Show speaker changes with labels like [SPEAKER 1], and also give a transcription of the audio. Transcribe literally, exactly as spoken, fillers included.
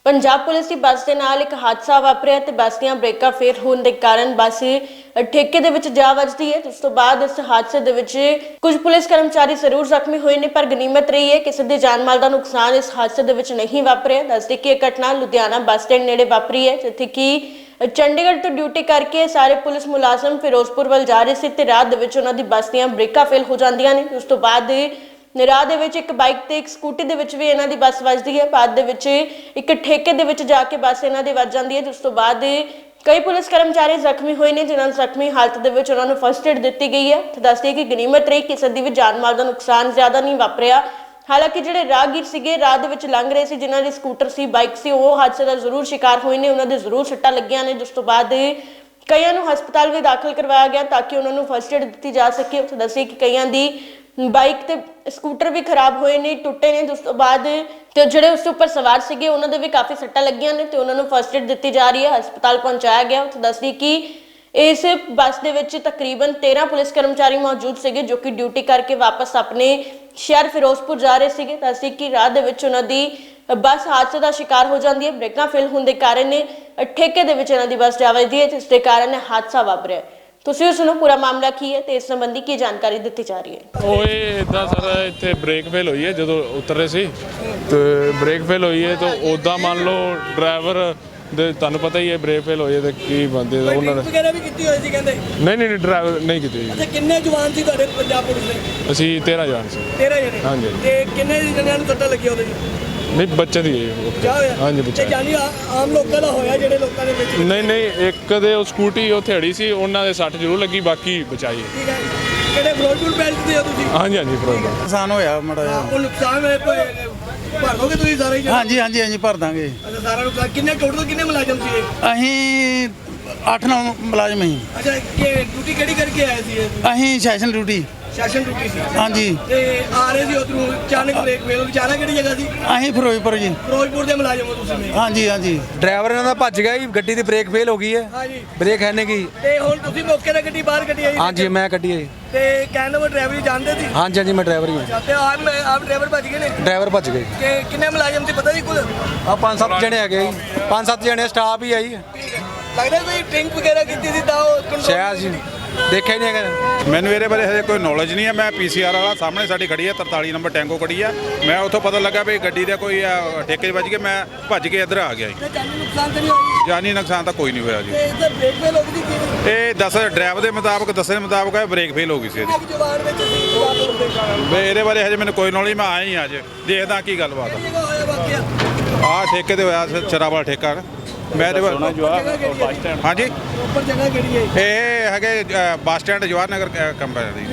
[SPEAKER 1] Punjab police की बस के नाल एक हादसा वापरिया ते बस दियां ब्रेकां फेल होने के कारण बस ठेके दे विच जा वजदी है। उस तो बाद इस हादसे दे विच कुछ पुलिस कर्मचारी जरूर जख्मी हुए ने, पर गनीमत रही है किसी दे जान माल दा नुकसान इस हादसे दे विच नहीं वापरिया। दस दी कि यह घटना लुधियाना बस स्टैंड नेड़े वापरी है, जिथे कि चंडीगढ़ तो ड्यूटी करके सारे पुलिस मुलाजम फिरोजपुर वाल जा रहे थे ते राह दे विच उन्हां दी बस दियां ब्रेकां फेल हो जांदियां ने। उस तो बाद राह दे विच एक बाइक ते एक स्कूटी दे विच भी इन्हां दी बस वजदी है। बाद दे विच एक ठेके दे विच जाके बस इन्हां दी वज जांदी है। उस तो बाद कई पुलिस कर्मचारी जख्मी हुए ने, जिन्हां जख्मी हालत दे विच उन्हां नूं फर्स्ट एड दित्ती गई है। ते दस दईए कि गनीमत रही किसी दी भी जान माल दा नुकसान ज्यादा नहीं वापरिया। हालांकि जिहड़े राहगीर सीगे राह दे विच लंघ रहे सी, जिन्हां दी स्कूटर सी बाइक सी, ओह हादसे दा जरूर शिकार होए ने, उन्हां दे जरूर सट्टां लगियां ने। जिस तो बाद कईयां नूं हस्पताल भी दाखिल करवाया गया ताकि उन्हां नूं फर्स्ट एड दित्ती जा सके। उत्थे दस्सिए कि कईयां दी बाइक ते स्कूटर भी खराब होए ने, टुटे ने। उस तो बाद ते जिहड़े उस उपर सवार सीगे उन्हां दे भी काफ़ी सट्टां लगियां ने ते उन्हां नूं फर्स्ट एड दित्ती जा रही है, हस्पताल पहुंचाया गया। उत्थे दस्सिए कि इस बस दे विच तकरीबन तेरह पुलिस कर्मचारी मौजूद सीगे, जो कि ड्यूटी करके वापस अपने शहर फिरोजपुर जा रहे सीगे। दस्सिए कि राह दे विच उन्हां दी बस हादसे का शिकार हो जाती है। ब्रेकां फेल होने के कारण ठेके दे विच इन्हां दी बस जा वजदी है, जिस दे कारण हादसा वापरिया। तुसीं सुनो पूरा मामला की है ते इस संबंधी की जानकारी दी जा रही है।
[SPEAKER 2] ਉਹ ਇਹ ਇੱਦਾਂ ਸਰ ਇੱਥੇ ਬ੍ਰੇਕ ਫੇਲ ਹੋਈ ਹੈ ਜਦੋਂ ਉਤਰ ਰਹੇ ਸੀ ਤੇ ਬ੍ਰੇਕ ਫੇਲ ਹੋਈ ਹੈ ਤਾਂ ਉੱਦਾਂ ਮੰਨ ਲਓ ਡਰਾਈਵਰ ਦੇ ਤੁਹਾਨੂੰ ਪਤਾ ਹੀ ਹੈ ਬ੍ਰੇਕ ਫੇਲ ਹੋਈ ਹੈ ਤੇ ਕੀ ਬੰਦੇ ਦਾ ਉਹਨਾਂ ਨੇ
[SPEAKER 3] ਵਗੈਰਾ ਵੀ ਕੀਤੀ ਹੋਈ ਸੀ ਕਹਿੰਦੇ।
[SPEAKER 2] ਨਹੀਂ ਨਹੀਂ ਡਰਾਈਵਰ ਨਹੀਂ ਕੀਤੀ ਜੀ।
[SPEAKER 3] ਅੱਛਾ, ਕਿੰਨੇ ਜਵਾਨ ਸੀ ਤੁਹਾਡੇ ਪੰਜਾਬ ਪੁਲਿਸ ਦੇ?
[SPEAKER 2] ਅਸੀਂ ਤੇਰਾਂ ਜਾਣ ਸੀ।
[SPEAKER 3] ਤੇਰਾਂ ਜਣੇ?
[SPEAKER 2] ਹਾਂਜੀ।
[SPEAKER 3] ਤੇ ਕਿੰਨੇ ਜਣਿਆਂ ਨੂੰ ਸੱਟਾਂ ਲੱਗੀਆਂ ਉਹਦੇ ਜੀ?
[SPEAKER 2] ਨਹੀਂ ਬੱਚੇ ਦੀ ਹੈ।
[SPEAKER 3] ਕਿਆ ਹੋਇਆ?
[SPEAKER 2] ਹਾਂਜੀ
[SPEAKER 3] ਤੇ
[SPEAKER 2] ਬੱਚੇ।
[SPEAKER 3] ਜਾਨੀ ਆਮ ਲੋਕਾਂ ਦਾ ਹੋਇਆ ਜਿਹੜੇ ਲੋਕਾਂ ਦੇ ਵਿੱਚ?
[SPEAKER 2] ਨਹੀਂ ਨਹੀਂ ਇੱਕ ਦੇ ਉਹ ਸਕੂਟੀ ਉੱਥੇ ਅੜੀ ਸੀ, ਉਹਨਾਂ ਦੇ ਸੱਟ ਜ਼ਰੂਰ ਲੱਗੀ, ਬਾਕੀ ਬਚਾਈ ਹੈ।
[SPEAKER 3] ਠੀਕ ਹੈ। ਕਿਹੜੇ ਫਿਰੋਜ਼ਪੁਰ ਬੈਲਟ ਦੇ ਹੋ ਤੁਸੀਂ?
[SPEAKER 2] ਹਾਂਜੀ ਹਾਂਜੀ ਪ੍ਰੋਬਲਮ
[SPEAKER 4] ਨੁਕਸਾਨ ਹੋਇਆ ਮਾੜਾ ਜਿਹਾ।
[SPEAKER 3] ਉਹ ਨੁਕਸਾਨ ਹੋਇਆ ਕੋਈ ਭਰ ਦੋਗੇ ਤੁਸੀਂ ਸਾਰਾ ਹੀ?
[SPEAKER 4] ਹਾਂਜੀ ਹਾਂਜੀ ਹਾਂਜੀ ਭਰ ਦਾਂਗੇ।
[SPEAKER 3] ਅੱਛਾ, ਸਾਰਾ ਨੁਕਸਾਨ ਕਿੰਨੇ ਟੋਟਲ ਕਿੰਨੇ ਮੁਲਾਜ਼ਮ ਸੀ ਇਹ?
[SPEAKER 4] ਅਸੀਂ ਅੱਠ ਨੌ ਮੁਲਾਜ਼ਮ ਸੀ।
[SPEAKER 3] ਅੱਛਾ, ਕਿ ਡਿਊਟੀ ਕਿਹੜੀ ਕਰਕੇ ਆਏ ਸੀ ਇਹ?
[SPEAKER 4] ਅਸੀਂ ਸੈਸ਼ਨ ਡਿਊਟੀ।
[SPEAKER 3] ਸੈਸ਼ਨ ਡਿਊਟੀ ਸੀ?
[SPEAKER 4] ਹਾਂਜੀ।
[SPEAKER 3] ਤੇ ਆ ਰਹੇ ਸੀ ਉਧਰੋਂ ਅਚਾਨਕ ਬ੍ਰੇਕ ਫੇਲ ਹੋ ਗਈ। ਜਾਣਾ ਕਿਹੜੀ ਜਗ੍ਹਾ ਸੀ?
[SPEAKER 4] ਅਸੀਂ ਫਿਰੋਜ਼ਪੁਰ ਜੀ।
[SPEAKER 3] ਫਿਰੋਜ਼ਪੁਰ ਦੇ ਮੁਲਾਜ਼ਮ ਹੋ ਤੁਸੀਂ?
[SPEAKER 4] ਹਾਂਜੀ ਹਾਂਜੀ।
[SPEAKER 5] ਡਰਾਈਵਰ ਇਹਨਾਂ ਦਾ ਭੱਜ ਗਿਆ ਜੀ, ਗੱਡੀ ਦੀ ਬ੍ਰੇਕ ਫੇਲ ਹੋ ਗਈ ਹੈ।
[SPEAKER 3] ਹਾਂਜੀ।
[SPEAKER 5] ਬ੍ਰੇਕ ਹੈ ਨਹੀਂ ਗਈ।
[SPEAKER 3] ਤੇ ਹੁਣ ਤੁਸੀਂ ਮੌਕੇ ਤੇ ਗੱਡੀ ਬਾਹਰ ਕੱਢੀ ਆਈ?
[SPEAKER 5] ਹਾਂਜੀ ਮੈਂ ਕੱਢੀ ਹੈ ਜੀ।
[SPEAKER 3] ਤੇ ਕਹਿੰਦੇ ਉਹ ਡਰਾਈਵਰ ਜਾਣਦੇ ਸੀ?
[SPEAKER 5] ਹਾਂਜੀ ਹਾਂਜੀ ਮੈਂ ਡਰਾਈਵਰ ਹੀ ਹਾਂ।
[SPEAKER 3] ਤੇ ਆਪ ਆਪ ਡਰਾਈਵਰ ਭੱਜ ਗਏ ਨੇ?
[SPEAKER 5] ਡਰਾਈਵਰ ਭੱਜ ਗਏ।
[SPEAKER 3] ਕਿ ਕਿੰਨੇ ਮੁਲਾਜ਼ਮ ਸੀ ਪਤਾ ਨਹੀਂ ਕੁਝ?
[SPEAKER 5] ਆ ਪੰਜ ਸੱਤ ਜਣੇ ਹੈਗੇ ਜੀ, ਪੰਜ ਸੱਤ ਜਣੇ ਸਟਾਫ ਹੀ ਆ ਜੀ।
[SPEAKER 3] ਠੀਕ ਹੈ। ਲੱਗਦਾ ਕੋਈ ਡਰਿੰਕ ਵਗੈਰਾ ਕੀਤੀ ਸੀ ਤਾਂ ਉਹ control
[SPEAKER 5] ਸ਼ਾਇਦ ਜੀ ਦੇਖਿਆ ਹੀ ਨਹੀਂ ਹੈਗਾ।
[SPEAKER 6] ਮੈਨੂੰ ਇਹਦੇ ਬਾਰੇ ਹਜੇ ਕੋਈ ਨੌਲੇਜ ਨਹੀਂ ਹੈ। ਮੈਂ ਪੀਸੀਆਰ ਵਾਲਾ ਸਾਹਮਣੇ ਸਾਡੀ ਖੜੀ ਹੈ ਤਰਤਾਲੀ ਨੰਬਰ ਟੈਂਗੋ ਖੜੀ ਆ। ਮੈਂ ਉੱਥੋਂ ਪਤਾ ਲੱਗਾ ਵੀ ਗੱਡੀ ਦਾ ਕੋਈ ਆ, ਠੇਕੇ 'ਚ ਵੱਜ ਕੇ ਮੈਂ ਭੱਜ ਕੇ ਇੱਧਰ ਆ ਗਿਆ ਜੀ।
[SPEAKER 3] ਤੇ ਜਾਨੀ ਨੁਕਸਾਨ ਤਾਂ ਨਹੀਂ ਹੋਇਆ?
[SPEAKER 6] ਜਾਨੀ ਨੁਕਸਾਨ ਤਾਂ ਕੋਈ ਨਹੀਂ ਹੋਇਆ ਜੀ।
[SPEAKER 3] ਤੇ ਇਹਦਾ ਬ੍ਰੇਕ ਫੇਲ ਹੋ ਗਈ ਸੀ?
[SPEAKER 6] ਇਹ ਦੱਸ ਡਰਾਈਵਰ ਦੇ ਮੁਤਾਬਕ ਦੱਸਣ ਦੇ ਮੁਤਾਬਕ ਇਹ ਬ੍ਰੇਕ ਫੇਲ ਹੋ ਗਈ ਸੀ ਇਹਦੀ।
[SPEAKER 3] ਇੱਕ ਜਵਾਨ ਵਿੱਚ ਸੀ ਪੰਜਾਬ ਪੁਲਿਸ ਦੇ।
[SPEAKER 6] ਵੀ ਇਹਦੇ ਬਾਰੇ ਹਜੇ ਮੈਨੂੰ ਕੋਈ ਨੌਲੇਜ, ਮੈਂ ਆਇਆ ਹੀ ਅੱਜ ਦੇਖਦਾ ਕੀ ਗੱਲਬਾਤ
[SPEAKER 3] ਕਿਹੜੀ ਜਗ੍ਹਾ ਹੋਇਆ ਵਾਕਿਆ?
[SPEAKER 6] ਆ। ਆਹ ਠੇਕੇ ਤੇ ਹੋਇਆ ਸ਼ਰਾਬ ਵਾਲਾ ਠੇਕਾ। ਮੈਂ ਇਹਦੇ ਬਾਰੇ ਹਾਂਜੀ
[SPEAKER 3] ਉੱਪਰ ਜਗ੍ਹਾ ਕਿਹੜੀ ਹੈ?
[SPEAKER 6] ਇਹ ਹੈਗੇ bus stand Jawahar Nagar company ਦੀ।